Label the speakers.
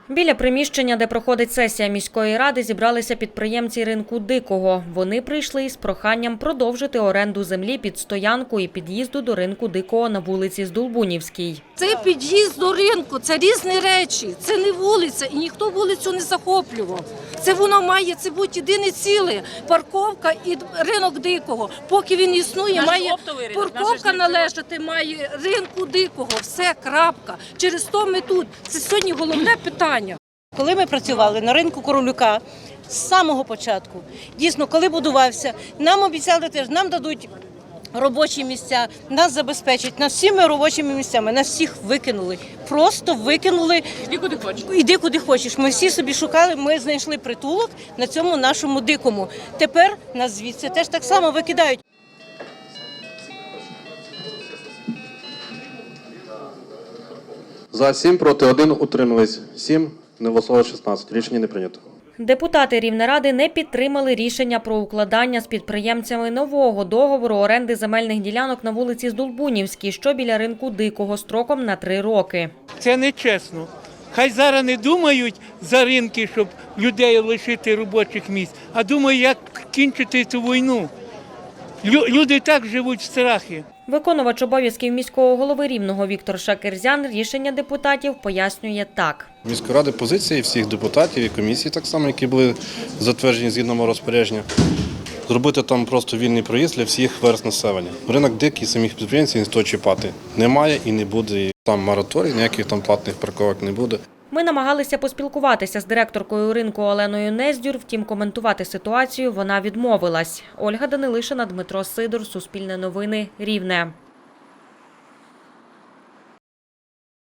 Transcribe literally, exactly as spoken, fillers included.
Speaker 1: Біля приміщення, де проходить сесія міської ради, зібралися підприємці ринку Дикого. Вони прийшли із проханням продовжити оренду землі під стоянку і під'їзду до ринку Дикого на вулиці Здолбунівській.
Speaker 2: Це під'їзд до ринку, це різні речі, це не вулиця і ніхто вулицю не захоплював. Це воно має це бути єдине ціле, парковка і ринок Дикого. Поки він існує, має парковка належати має ринку Дикого, все, крапка. Через то ми тут. Це сьогодні головне питання.
Speaker 3: Коли ми працювали на ринку Королюка з самого початку, дійсно, коли будувався, нам обіцяли теж, нам дадуть робочі місця, нас забезпечать, нас всіми робочими місцями, нас всіх викинули. Просто викинули.
Speaker 4: Іди куди хочеш.
Speaker 3: Іди куди хочеш. Ми всі собі шукали, ми знайшли притулок на цьому нашому Дикому. Тепер нас звідси теж так само викидають.
Speaker 5: За сім, проти один, утримались сім, не голосувало шістнадцять. Рішення не прийнято.
Speaker 1: Депутати Рівнеради не підтримали рішення про укладання з підприємцями нового договору оренди земельних ділянок на вулиці Здолбунівській, що біля ринку Дикого, строком на три роки.
Speaker 6: Це нечесно. Хай зараз не думають за ринки, щоб людей лишити робочих місць, а думають, як кінчити цю війну. Люди і так живуть в страхі.
Speaker 1: Виконувач обов'язків міського голови Рівного Віктор Шакерзян рішення депутатів пояснює так.
Speaker 7: Міської ради позиції всіх депутатів і комісій, так само, які були затверджені згідно мого розпорядження, зробити там просто вільний проїзд для всіх верств населення. Ринок дикий, самих підприємців ніхто чіпати немає і не буде. І там мораторій, ніяких там платних парковок не буде.
Speaker 1: Ми намагалися поспілкуватися з директоркою ринку Оленою Нездюр, втім коментувати ситуацію вона відмовилась. Ольга Данилишина, Дмитро Сидор, Суспільне новини, Рівне.